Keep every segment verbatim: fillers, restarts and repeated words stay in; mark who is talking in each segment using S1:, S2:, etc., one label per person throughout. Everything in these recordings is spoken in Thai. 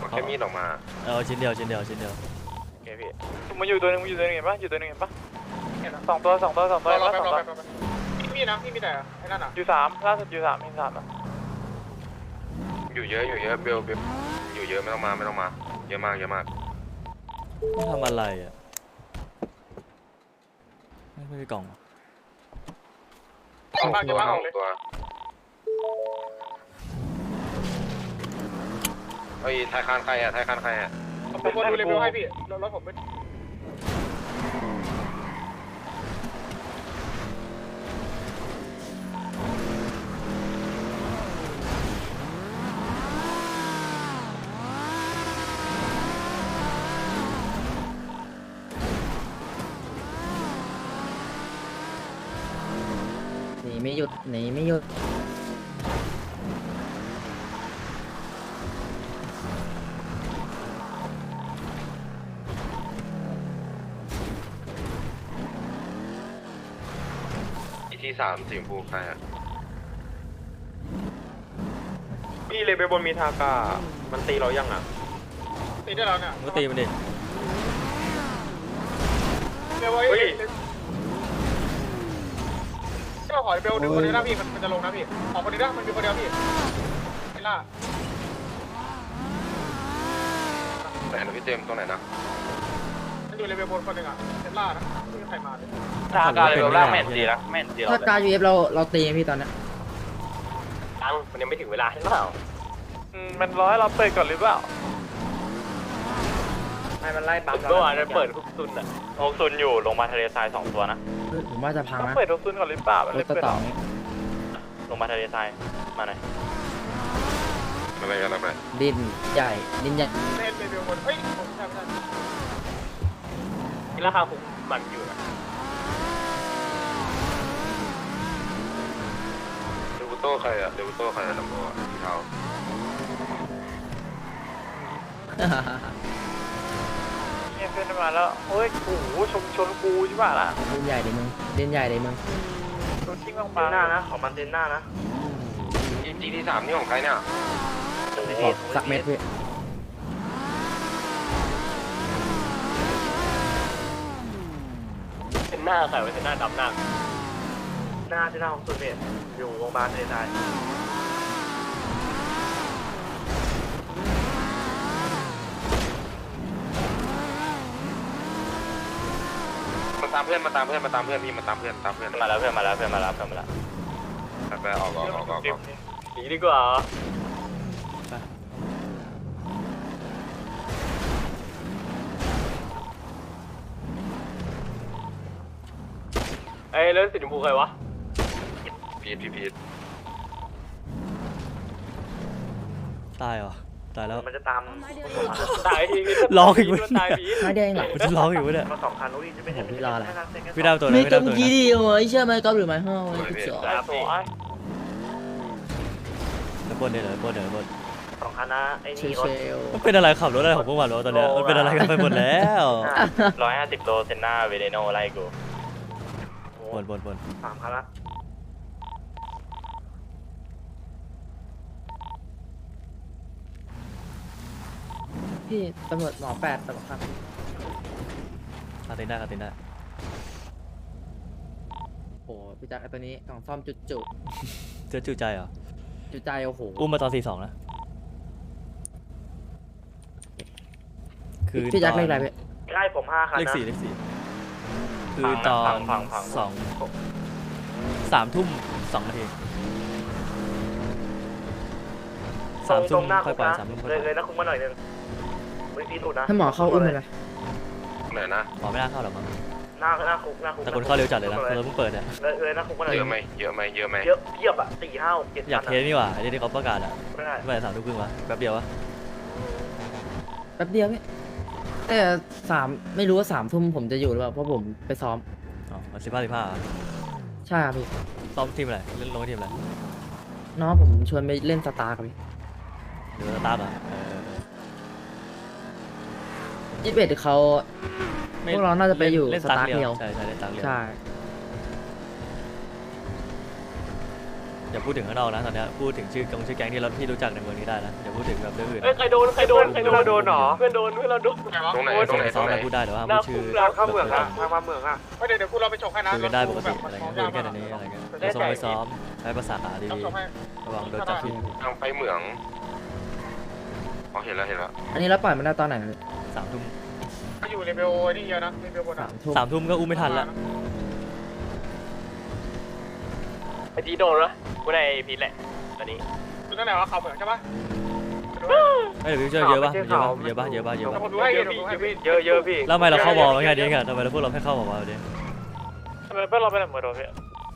S1: แค่มีดออกมา
S2: เออชิ้นเดียวชิ้นเดียวชิ้นเดียว
S3: โอเคพี่มันอยู่ตัวนึงมันอยู่ตัวนึงเห็นปะอยู่ตัวนึงเห็นปะเห็นสองตัวสองตัวสองตัวเห็นปะสองตัวพี่มีนะพี่มีแต่ไอ้นั่นอ่ะอยู่สามล่าสุดอยู่สามมีสามอ่ะ
S1: อยู่เยอะอยู่เยอะเบลเบลอยู่เยอะไม่ต้องมาไม่ต้องมาเยอะมากเยอะมาก
S2: ไม่ทำอะไรอ่ะไม่ไม่มีกล่อง
S1: สองตัวสองตัวไอ้ไทยคานใครอะไทยคานใครอะ
S3: ผมดูเลเวลให้พี่รถผมไม่
S4: หนีไม่หยุดหนีไม่หยุด
S1: ที่สามสีชมพูใครอะ
S3: พี่เลเวลบนมีทากามันตีเรายังอ่ะตีได้แล้วเนี่ย
S2: ก็ตีมันดิ
S3: เดี๋ยวเฮ้ยที่เราขอเบลดึงคนนี้นะพี่มันจะลงนะพี่ออกคนนี้นะมันมีคนเดียวพี่ไอ้ล่า
S1: ไหนนะพี่เจมส์ตรงไหนนะ
S3: มันอยู่เลเวลบนคนหนึ่งอ่ะเซนล่านะไม่มีใครมาเลย
S2: ทากาเลเวลล่างแม่นดีนะแม่นดี
S4: ถ้าการยูเอฟเราเราตีพี่ตอนนี้
S2: ตังมันยังไม่ถึงเวลาใช่เปล่า
S3: อืมมันรอให้เราเปิดก่อนหรือเปล่า
S4: ให้มันไล่ปั๊ม
S2: เมื่อวานเราเปิดฮุกซุนอ่ะฮุกซุนอยู่ลงมาทะเลทรายสองตัวนะ
S4: ผมว่าจะพังนะ
S3: เปิดฮุกซุนก่อนหรือเปล่ารถ
S4: ต่อ
S2: ลงมาทะเลทรายมาหน่อย
S1: อะไรกันอะไร
S4: ดินใหญ่ดินใหญ่
S3: เล่นเลเวลบนเฮ้ยผมใช่ไม่ใช่
S2: นี่ราคาคุ้มมันอยู่นะ
S1: เดวิโต้ใครอะเดวิโต้ใครอะลำโพงสีเทา
S3: เนี่ยเพื่อนมาแล้วเฮ้ยโอ้โหชนชนกูใช่ป่ะล่ะ
S4: ดินใหญ่เลยมึงดินใหญ่เลยมึง
S3: โดนทิ้งลงมาหน้านะของมันเต็นหน้านะ
S1: จีจีที่สามนี่ของใครเนี่ย
S4: สักเม็ดพี่
S2: เป็นหน้าใครไว้เป็นหน้าดำหน้า
S3: หน้าที่หน้าของสุดเนี่ยอยู่โรงพยาบาลทะเลทราย
S1: มาตามเพื่อนมาตามเพื่อนมาตามเพื่อนพี่มาตามเพื่อนตามเพื่อน
S2: มาแล้วเพื่อนมาแล้วเพื่อนมาแล้วเพื่อนมาแล้ว
S1: ไปออกออกออกออก
S2: หนีดีกว่าเอ้ยแล้วสีชมพูใครวะ
S1: พีทพีพีท
S2: ตายเหรอตายแล้ว
S3: มันจะตาม
S2: ตายทีร้องอีกวะ
S4: ตายไม่แดงหรอ
S2: มันจะร้องอีกวะเนี่ย
S3: มาสองคันนู้นจะไม่เห็น
S4: พี่รออะไร
S2: พี่ดาวตัวไหน
S4: ไม่
S2: พี่
S4: ต้
S2: ดาวตัวไหน
S4: องยี่ดีโอ้ยเชื่อไหมก๊อฟหรือไม่ห้าว
S2: แล้วบนเดี๋ยวบนเดี๋ยวบน
S3: สองคันนะไอ้นี่รถ
S2: มันเป็นอะไรขับรถอะไรของพวกมันวะตอนเนี้ยมันเป็นอะไรกันไปหมดแล้วร้อยห้าสิบโลเซนน่าเวเดโนไล่กูบนบนบน
S3: สามคันละ
S4: พี่ตำรวจหมอแปดตำรวจครับ
S2: คาติน่าคาติน่า
S4: โอ้พี่จักรไอตัวนี้กล่องซ่อมจุดจุ
S2: เจอจู่ใจเหรอ
S4: จุดใจโอ้โห
S2: อุ้มมาตอนสี่สองนะ
S4: คือพี่จักรเลขอะไรพี่
S3: ใกล้ผมห้าคันนะ
S2: เลขสี่เลขสี่คือตอนสองสามทุ่มสองนาทีสามทุ่มค่อยปล่อยสามทุ่มค่อยปล่อย
S3: เลยนะคุ้มมาหน่อยนึงไม่ตีถูกนะ
S4: ถ้าหมอเข้าอุ้มเลย
S1: ไหนนะ
S2: หมอไม่น่าเข้าหรอกมั้ง
S3: หน้าหน้าคุกหน้าคุก
S2: แต่คนเข้าเร็วจัดเลยนะเราเพิ่งเปิดเนี่ย
S3: เลยเลยนะคุกมาหน่อย
S1: เยอะไหมเยอะไหมเยอะไหม
S3: เยอะเพียบอ่ะสี่ห้าเจ็ด
S2: อยากเทสนี่หว่าไอ้ที่เขาประกาศอ่ะไม่ได้สามทุ่มครึ่งวะแป๊บเดียววะ
S4: แป๊บเดียวพี่แต่สามไม่รู้ว่าสามทุ่มผมจะอยู่หรือเปล่าเพราะผมไปซ้อม
S2: อ๋อสิบห้าสิบห้า
S4: ใช่ครับพี่
S2: ซ้อมทีมอะไรเล่นลงทีมอะไร
S4: น้องผมชวนไปเล่นสตาร์ครับพี่
S2: หรือสตาร์เหรอ
S4: ยี่สิบเอ็ดเขาพวกเราน่าจะไปอยู่สตาร์เดียว
S2: ใช่ใช่เล่นสตาร์เดียว
S4: ใช่
S2: อย่าพูดถึงข้างนอกนะตอนเนี้ยพูดถึงชื่อกงชื่อแก๊งที่เราที่รู้จักในเมืองนี้ได้นะอย่าพูดถึงแบบเรื่องอื่น
S3: เอ้ยใครโดนใครโดนใครโดนโดนหรอเพื่อนโดนเพื่อนเราโดน
S1: ตรงไหนตรงไหนต
S2: ซ้
S1: ร
S2: อง ม
S1: ไหน
S2: อะไรพูดได้แต่ว่าห้ามพูดชื่อ
S3: ทางเข้าเมืองอะทางมาเมืองอะไม่เดี๋ยวเดี๋ยวกูเราไปฉกให้นะ
S2: คุยกันได้ปกติอะไรเงี้ยคุยกันแค่นี้อะไรเงี้ยไปซ้อมไปซ้อมใช้ภาษาดีๆระวังโดนจับที่
S1: ทางไปเหมืองอ๋อเห็นแล้วเห็นแล้ว
S4: อันนี้เราปล่อยมันได้ตอนไหน
S2: สามทุ่ม
S3: ก็อยู่เลเวลนี่เยอะนะเลเวลบน
S4: สา
S3: อะ
S4: มทุ่ม
S2: สามทุ่มก็อุ้มไม่ทันละ
S3: ไอจีโดนนะกูในพีทแหละตอนนี้คุณนั่นแหละว่าเขาเหมือนใช่ปะ
S2: ไม่เดี๋ยวพี่ช่วยเยอะปะเยอะปะเยอะปะเยอะปะเยอะปะ
S3: ผมดูให้เยอะพี่เยอะเยอะพี่
S2: แล้วทำไมเราเข้าบอลแค่นี้กันทำไมเราพวกเราไม่เข้าบอลมาเดี๋ยว
S3: ทำไมเพื่อนเราเป็นแบบเหมือนโดนพี่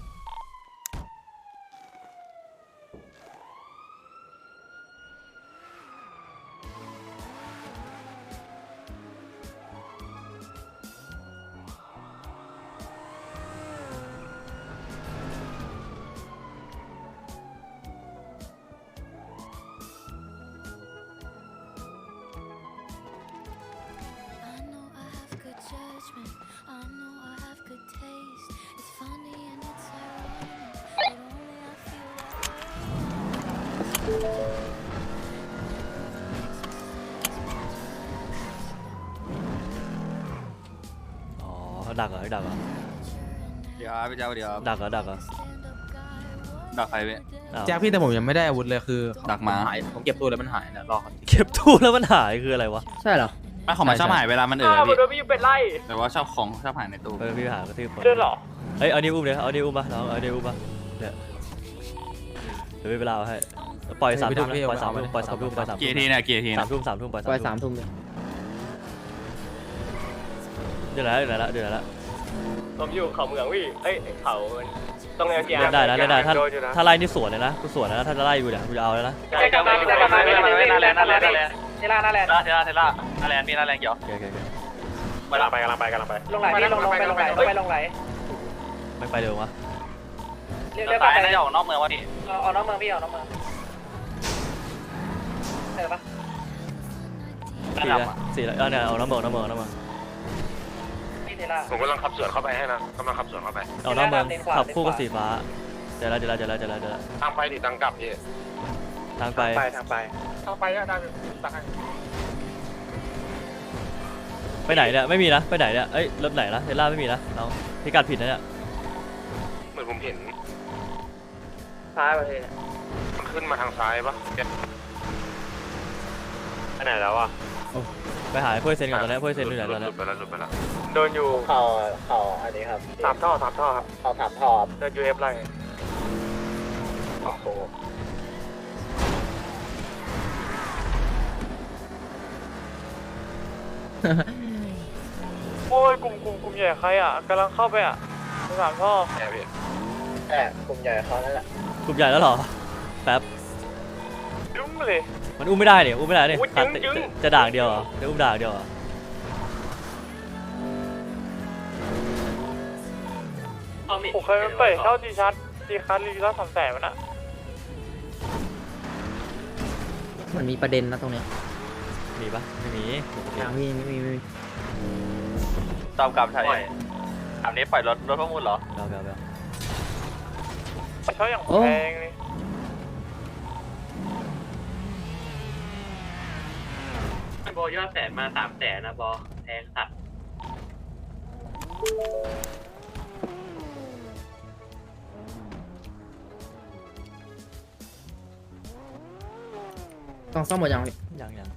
S2: อ๋อดักเหรอดักเหรอ
S5: เดี๋ยวพี่เจ้าเดี๋ยว
S2: ดักเหรอดักเหรอ
S5: ดักใครพี่
S2: อ้าว
S6: แจ็คพี่แต่ผมยังไม่ได้อาวุธเลยคือ
S5: ดักหมา
S6: หายผมเก็บตัวแล้วมันหายนะรอเขา
S2: เก็บตู้แล้วมันหายคืออะไรวะ
S4: ใช่เหรอ
S5: ไม่ของมันชอบหายเวลามันเออ
S3: อ้าว
S5: พี่
S3: โดนพี่อยู่เป็นไล่
S5: แต่ว่าชอบของชอบหายในตู้
S2: เออพี่หากระทืบคน
S3: เดินหรอ
S2: เฮ้ยเอานิ้วอุ้มเลยเอานิ้วอุ้มปะน้องเอานิ้วอุ้มปะเนี่ยเดี๋ยวเวลาให้ปล่อยสามทุ่มนะปล่อยสามทุ่มปล่อยสามทุ่มปล่อยสาม
S5: เกี
S2: ทุ่
S5: ยร์ที
S2: ม
S5: เนี่ยเกียร์ที
S2: สา
S5: นะ
S2: มทุ่มสามทุ่มปล่อย
S4: ปล่อย
S2: สา
S4: สาม ม
S2: ทุ่ม
S4: ทุ่มเลย
S2: เดี๋ยวแล้วเดี๋ยวแล้วเดี๋ยวแล้ว
S3: ผมอยู่เขาเมืองพี่เอ้ยเขาตรงแนวเกียร์
S2: เล่นได้นะเล่นได้ถ้าถ้าไล่นี่สวนเลยนะกูสวนนะถ้าจะไล่อยู่เนี่ยกูจะเอาแล้วนะ
S3: ใช่ครับใช่ครับไม่ไม่ไม่น่าแลนน่าแลนน่าแลนนี่ล่าน่าแลน
S5: เทล่าเทล่าน่าแลนพี่น่าแลนเกี่ยว
S2: โอเคโอเคโอเค
S3: กำลังไปกำลังไปกำลังไปลงไหลพี่ลงลงไปลงไหลไปลงไหล
S2: ไม่ไปเร็ววะ
S3: เรียก
S5: เดี๋
S3: เรี
S5: ย
S3: ยว ก
S5: สาย
S3: ไป
S5: น่าจะออกนอกเมืองวะพี่
S3: เอาน้องเมืองพี่เอาน้องเมืองใช่ปะ
S2: สี่แล้วสี่แล้วเอาเนี่ยเอาน้ำเมืองน้ำเมืองน้ำเมือง
S3: พี่เทล่า
S1: ผมกำลังขับสวนเข้าไปให้นะกำลังขับสวนเข้าไป
S2: เอาน้ำเมือง
S3: เลนขวา
S2: ขับคู่กับ
S3: เลนขวา
S2: สีฟ้าเดี๋ยวแล้วเดี๋ยวแล้วเดี๋ยวแล้วเดี๋ยวแล้วเดี๋ยวแล้ว
S1: ทางไปดิทางกลับพี่
S2: ทางไป
S3: ไปทางไปทางไปอะได้ตักให้
S2: ไปไหนเนี่ยไม่มีนะไปไหนเนี่ยเอ้ยรถไหนนะเทสลาไม่มีนะน้องพิกัดผิดนะเนี่ย
S1: เหมือนผมเห็น
S3: ซ้ายประเทศ
S1: มันขึ้นมาทางซ้ายปะ
S3: ไปไหนแล้วอ่ะ
S2: ไปหาเพื่อนเซนก่อนตอนนี้เพื่อนเซนอยู่ไหนตอน
S1: ห
S2: นี้
S1: ลุดไปแล้วหลุดไปแล้ว
S3: โดนอยู่
S7: เข่าเข่าอันนี้ครับ
S3: สามท่อสามท่อครับ
S7: เข่าสามทอบ
S3: เดินยูเอฟไล่
S7: โอ้โห
S3: โอ้ยกลุ่มกลุ่มกลุ่มใหญ่ใครอ่ะกำลังเข้าไปอ่ะสามท่อ
S1: แอบพี่
S7: แต่กลุ่มใหญ่เขานั่นแหละ
S2: กลุ่มใหญ่แล้วเหรอแป๊บ
S3: ยุ่งเลย
S2: มันอุ้มไม่ได้เนี่ยอุ้มไม่ได้เนี่ย
S3: อุ้ย
S2: ตัด
S3: จึ๊งจึ๊ง
S2: จะด่างเดียวเหรอจะอุ้มด่างเดียวเหรอ
S3: ผมเคยไปเช่าดีชัดดีคัสรีแล้วสามแสนมันอ่ะ
S4: มันมีประเด็นนะตรงเนี้ย
S2: มีปะไม่มี
S4: ยังพี่ไม่มีไม่มี
S5: ตามกลับใช่อันนี้ปล่อยรถรถประมูลเหรอ
S2: เอาเอาเอา
S3: เช่าอย่างแพงเลย
S7: บอยอดแสนมาสามแสนนะบอแพงสัตว์
S4: ต้องซ่อมหมดยังพี่
S2: ยังยัง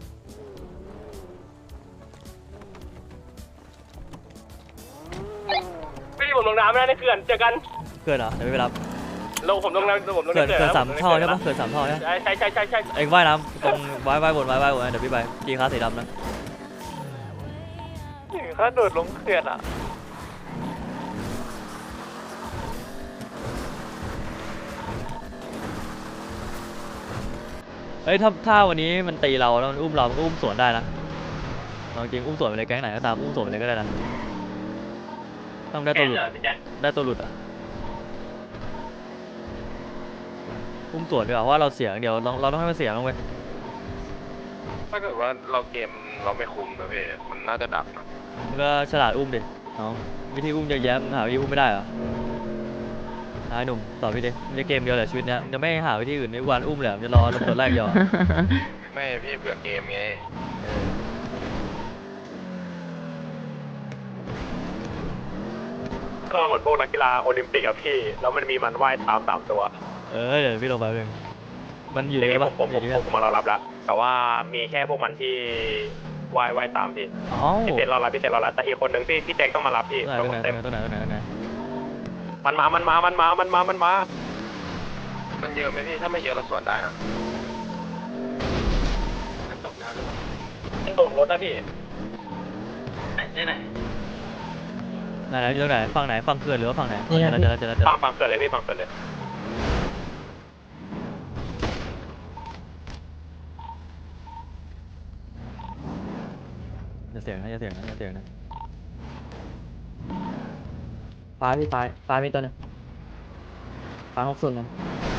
S3: ไม่ได้ผมลงน้ำไม่ได้ในเขื่อนเจอกัน
S2: เกินเหรอเดี๋ยวไม่ไปรับ
S3: ลงผมลงน้ำผมลง
S2: เกิน
S3: ใน
S2: เกิน
S3: ขื่
S2: สามท่อใช่ปะเกินสามท่อใช่ปะ
S3: ใช่ใช่ใช่ใช่ใช่
S2: เอ็งว่ายน้ำตรงว่ายว่ายบนว่ายว่ายบนเดี๋ยวพี่ไปกีคาสีดำนะ
S3: ถึงขั้นโดดลงเขื่อนอ่ะ
S2: เฮ้ยถ้าถ้าวันนี้มันตีเราแล้วมันอุ้มเรามันก็อุ้มสวนได้นะเอาจริงอุ้มสวนไปเลยแก๊งไหนก็ตามอุ้มสวนไปเลยก็ได้นะต้องได้ตัวหลุดได้ตัวหลุดอ่ะอุ้มสวนดีกว่าเพราะว่าเราเสียอย่างเดียวเราเราต้องให้มันเสียบ้างเว้ย
S1: ถ้าเกิดว่าเราเกมเราไม่คุมนะพี่มันน่าจะดักนะ
S2: มันก็ฉลาดอุ้มดิน้องวิธีอุ้มเยอะแยะมึงหาวิธีอุ้มไม่ได้เหรอนายหนุ่มตอบพี่ดิมันจะเกมเดียวแหละชีวิตเนี้ยมันจะไม่หาวิธีอื่นไม่วันอุ้มเลยมันจะรอตำรวจไล่เดียวอะ
S1: ไม่พี่เบื่อเกมไง
S3: ก็เหมือนพวกนักกีฬาโอลิมปิกอะพี่แล้วมันมีมันว่ายตามสามตัว
S2: เออเดี๋ยวพี่ลงไปเองมันอยู่ในนี้ปะ
S3: ผม
S2: อ
S3: ผ
S2: ยู่
S3: ม
S2: ที่
S3: ผมผมมารอรับแล้วแต่ว่ามีแค่พวกมันที่ว่ายว่ายตามพี่
S2: อ๋อ
S3: พี่เซนรอรับพี่เซนรอรับแต่อีกคนหนึ่งพี่พี่แจ็คต้องมารับพี่
S2: ตรงไหน
S3: เต็ม
S2: ตรงไหนตรงไหนตรงไหนตรงไหน
S3: มันมา มันมา มันมา มันมา มันมา
S1: มันเยอะไหมพี่ถ้าไม่เยอะเราสวนได้นะ
S7: ตกน้ำหรือเปล่า
S3: มันตกรถนะพี่
S7: ไหนไหน
S2: ไหนไหนอยู่ตรงไหนฝั่งไหนฝั่งเขื่อนหรือว่าฝั่งไหนเจอแล้วเจอแล้วเจอแล้วเจอ
S3: ฟั
S2: แล้
S3: ง
S2: ว
S3: ฟังเกิดเลยพี่ฟังเกิดเลย
S2: อย่าเสียงนะอย่าเสียงนะอย่าเสียงนะ
S4: ฟ้าพี่ฟ้าฟ้ามีตัวหนึงฟ้าหกศูนย์นะ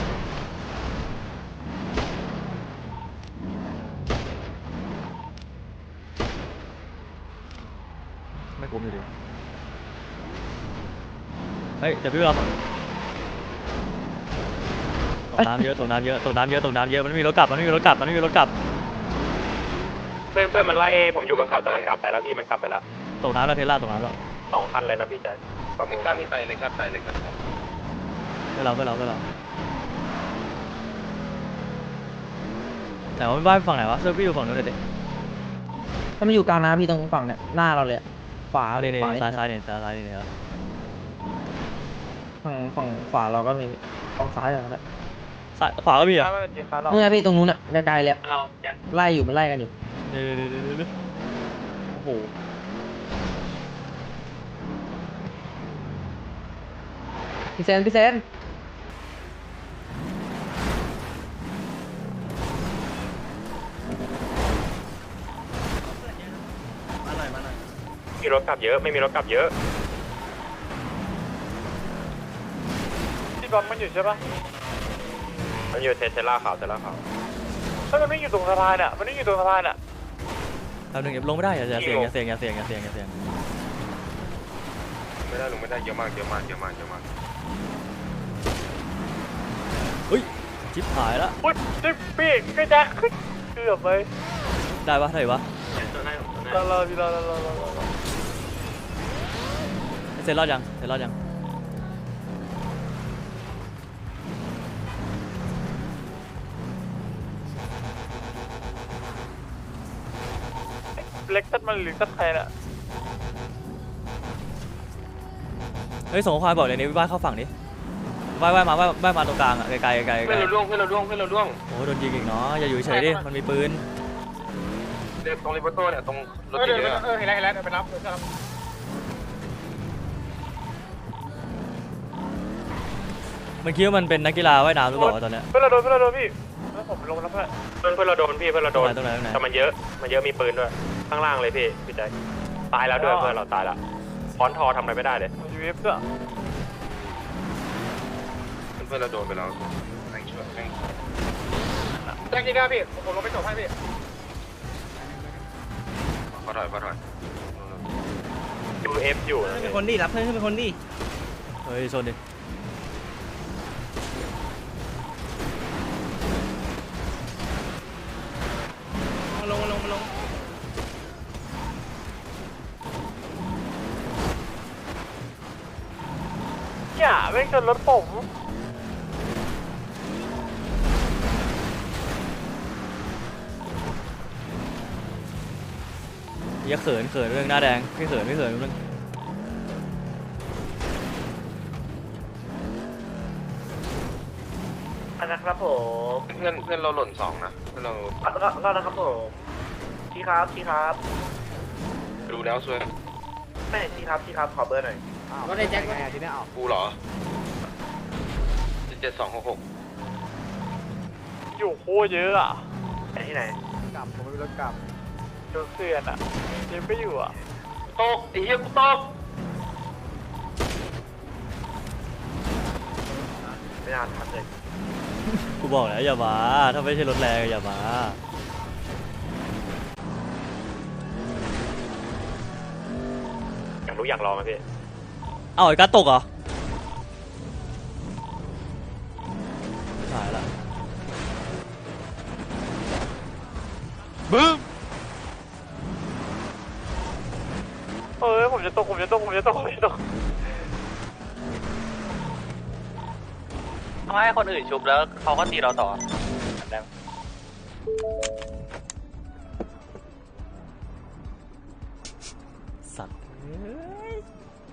S2: ไม่คุ้มอยู่ดีเฮ้ยเดี๋ยวพี่เราตกน้ำเยอะตกน้ำเยอะตกน้ำเยอะตกน้ำเยอะมันไม่มีรถกลับมันไม่มีรถกลับมันไม่มีรถกลับ
S3: เพื่อนเพื่อนมันไล่ผมอยู่กับเขาแต่มันกลับไปแล้วพี่มันกลับไปแล้ว
S2: ตกน้ำแล้วเทสลาตกน้ำแล้ว
S3: สองคันเลยนะพี่แจ็ค
S1: ก็มีกล้ามีไตเลยครับไตเลยครับ
S2: เพื่อเราเพื่อเราเพื่อเราแต่ว่าไม่บ้านฝั่งไหนวะเสื้อพี่อยู่ฝั่งนู้นเลยดิ
S4: ถ้ามันอยู่กลางน้ำพี่ตรงฝั่งเนี่ยหน้าเราเลยอะขวา
S2: เอาเนี่ยเนี่ย
S4: ขวา
S2: ซ้ายซ้ายเนี่ยซ้ายซ้ายเนี่ยเหรอ
S4: ฝั่งฝั่งขวาเราก็มีฝั่งซ้ายเหรอครับ
S2: ซ้ายขวาก็มีเหรอ่ะ
S4: เมื่อพี่ตรงนู้นอ่ะไกลๆเลยอะ
S7: เอาจัด
S4: ไล่อยู่มันไล่กันอยู่
S2: เดี๋ยวเดี๋ยวเดี๋ยวเดี๋ยว
S4: โอ้โหพี่เซนพี่เซน
S3: มีรถกลับเยอะ ไม่มีรถกลับเยอะ
S8: ที่บอลมันอยู่ใช่ปะ
S3: มันอยู่เทสลาขาวเทสลาขาว
S8: ถ้ามันไม่อยู่ตรงสะพานอ่ะ มันไม่อยู่ตรงสะพานอ่ะ
S2: แป๊บนึงอย่าลงไม่ได้อย่าอย่าเสียงอย่าเสียงอย่าเสียงอย่าเสียงอย่าเสียง
S1: ไม่ได้ลงไม่ได้เยอะมากเยอะมากเยอะมากเยอะมาก
S2: เฮ้ยชิปหายละ
S8: อุ้ยจิ๊บพี่ก็จะขึ้นเกือบไป
S2: ได้ปะได้ปะ
S7: จัดตัวหน้าตัวหน้าร
S8: อรอพี่รอรอรอรอรอ
S2: เสร็จรอดยังเสร็จรอดยัง
S8: เล็กตัดมันหรือตัดใครน่ะ
S2: เฮ้ยส่งข้อความบอกเลยนี่ว่ายเข้าฝั่งนี้ว่ายว่ายมาว่ายว่ายมาตรงกลางอ่ะไกลไกลไกลไก
S1: เพื่
S2: ล
S1: อนเราล่วงเพื่อนเราล่วงเพื่อนเราล่วง
S2: โอ้โหโดนยิงอีกเนาะอย่าอยู่เฉยดิมันมีปืน
S1: เดินตรงริบโต้เนี่ยตรงรถ
S3: เออ
S1: เย
S3: เดี๋ยว
S1: อะ
S3: เออเห็นแล้วเห็นแล้วเดี๋ยวไปรับเดี๋ยวจะรับ
S2: มันคิดว่ามันเป็นนักกีฬาว่ายน้ำหรือเปล่าวะตอนเนี้ย
S8: เพื่อนเราโดนเพื่อนเราโดนพี่แล้วผมลงแล้วเพื่อน
S3: เพื่อนเพื่อนเราโดนพี่เพื่อนเรา
S2: ตร
S3: โด
S2: ง
S3: น
S2: ไหนตรงไหนตรงไหน
S3: แต่มันเยอะ มันเยอะมีปืนด้วย ข้างล่างเลยพี่พี่แจ็คตายแล้วด้วยเพื่อนเราตายแล้วฟอนทอทำอะไรไม่ได้เลย
S8: ยูเอฟด้วย
S1: เพื่อนเราโดนไปแล้วแม่งช่วยแม่ง
S3: แจ็คยิงได้พี่ผมลงไปจบให้พี่
S1: พอถอยพอถอย
S3: ยูเอฟอยู่นะ
S4: เป็นคนดีรับเพื่อนเป็นคนดี
S2: เฮ้ยชนดิ
S4: มาลงมาลงมาลง
S8: อย่าแม่งชนรถผม
S2: อย่าเขินเขินเรื่องหน้าแดงไม่เขินไม่เขินเรื่อง
S7: อันนะครับผม
S1: เพื่อนเพื่อนเราหล่นสองนะเพื่อนเรา
S7: ก็ก็นะครับผมชี้ครับชี้ครับ
S1: ดูแล้วช่วย
S7: ไม่ชี้ครับชี้ครับขอเบอร์หน่อย
S4: ก็ได้แจ็ค
S1: กูเหรอเจ็ดสองหกหก
S8: อยู่โคตรเยอะอ่ะ
S7: ไปที่ไหน
S8: โดนเสื่อนอ่ะเจมก็อยู่อ่ะ
S1: ตกไอ้เหี้ยกูตก
S7: ไม่นานทันเลย
S2: กูบอกแล้วอย่ามาถ้าไม่ใช่รถแรงอย่ามา
S3: อยากรู้อยากลองไหมพี่
S2: เอ้าไอ้การดตกเหรอบึ้ม
S3: เอ้ยผมจะตกผมจะตกผมจะตกผมจะตก
S5: เขาให้คนอื่นชุบแล้วเขาก็ตีเราต่อแบบ
S2: สัตว์เอ้ย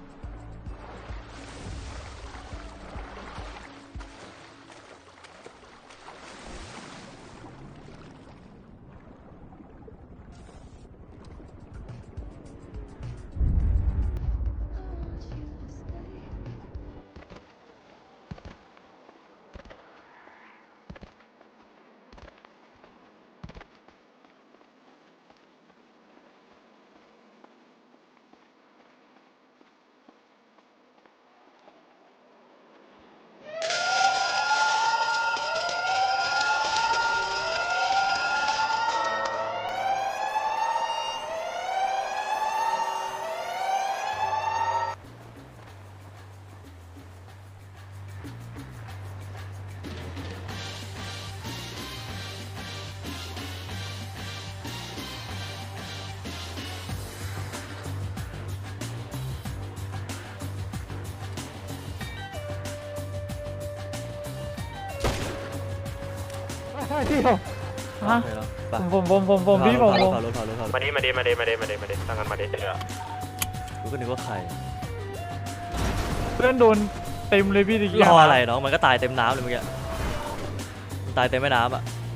S2: ฮะผมผมผมผมพี่ผมผมรถเผารถเผารถ
S8: มาดิมาดิมาดิมาดิมาดิมาดิตั้งกันมาดิเดี๋ยว
S2: กูก็นึกว่าใคร
S3: เพื่อนโดนเต็มเลยพี่ตะกี้
S2: รออะไรน้องมันก็ตายเต็มน้ำเลยเมื่อกี้มันตายเต็มแม่น้ำอ่ะ